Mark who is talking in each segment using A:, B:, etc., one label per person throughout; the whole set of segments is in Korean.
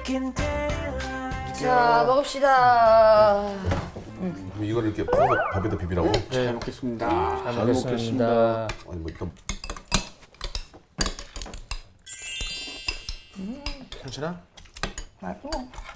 A: 자, 먹읍시다.
B: 그럼 이걸 이렇게 퍼서 밥에다 비비라고?
C: 잘 먹겠습니다.
D: 잘 먹겠습니다.
B: 아니 뭐 일단
C: 괜찮아?
A: 맛있어.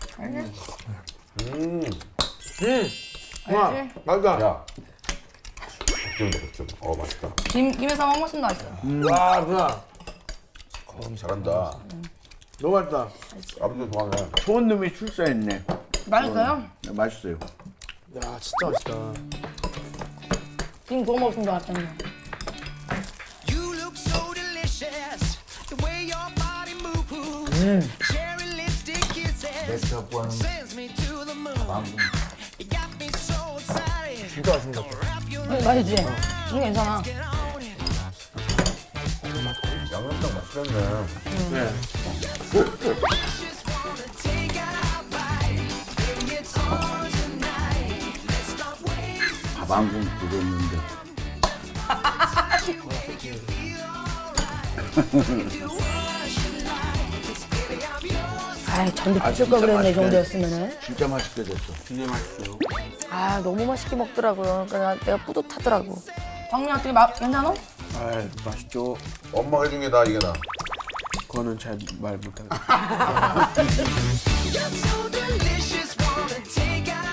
C: 와,
A: 알지?
C: 맛있다.
B: 야 걱정이다 걱정. 맛있다.
A: 김에서 한 번씩 맛있어.
C: 와, 누나.
B: 잘한다.
C: 너무 맛있다.
B: 아버지도 좋아하네.
E: 좋은 놈이 출사했네.
A: 맛있어요?
E: 네, 맛있어요.
C: 야, 진짜 맛있다.
A: 김 구워 먹으면 맛있잖아.
F: You look so delicious, the way your body moves. Cherry lipstick kisses sends me to the moon. You got me so excited.
C: 진짜 맛있는 것 같아.
A: 맛있지? 이거 괜찮아.
B: 양념장 맛있겠네.
C: 네.
F: Just wanna take a bite. Baby, it's on tonight. Let's stop wasting.
E: 밥 한 공 끓였는데.
A: 아이, 전도 부실 걸 그랬네, 이 정도였으면은.
E: 진짜 맛있게 됐어.
C: 진짜 맛있어요.
A: 아, 너무 맛있게 먹더라고요. 그러니까 내가 뿌듯하더라고. 광민이 어떻게 괜찮아?
C: 아, 맛있죠.
B: 엄마가 해준 게 나 이게 나.
C: 그거는 잘 말 못하겠어.
F: You're so delicious, wanna take a